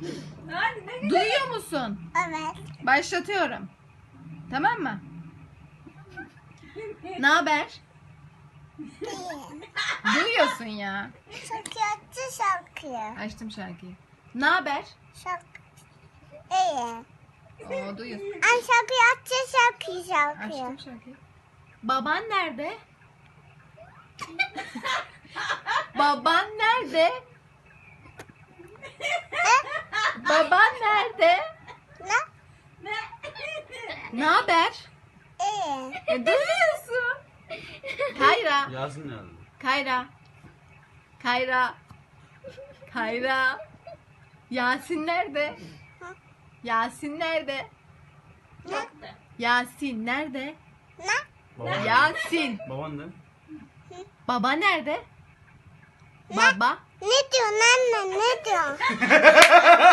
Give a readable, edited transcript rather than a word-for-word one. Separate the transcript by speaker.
Speaker 1: Duyuyor musun?
Speaker 2: Evet.
Speaker 1: Başlatıyorum. Tamam mı? Ne haber?
Speaker 2: İyi.
Speaker 1: Duyuyorsun ya.
Speaker 2: Şarkı şarkı.
Speaker 1: Açtım şarkıyı. Ne haber?
Speaker 2: Şarkı. İyi.
Speaker 1: Oo, duyuyorsun.
Speaker 2: Ay şarkı.
Speaker 1: Açtım şarkıyı. Baban nerede? Baban nerede? Baban nerede?
Speaker 2: Ne?
Speaker 1: Ne haber?
Speaker 2: İyi.
Speaker 1: Duyuyorsun. Kayra.
Speaker 3: Yasin nerede?
Speaker 1: Kayra. Kayra. Kayra. Yasin nerede? Yasin nerede?
Speaker 2: Ne?
Speaker 1: Yasin nerede?
Speaker 2: Ne?
Speaker 3: Baban,
Speaker 1: Yasin.
Speaker 3: baban ne?
Speaker 1: Baba nerede? Baba.
Speaker 2: Ne diyorsun anne? Ne diyorsun?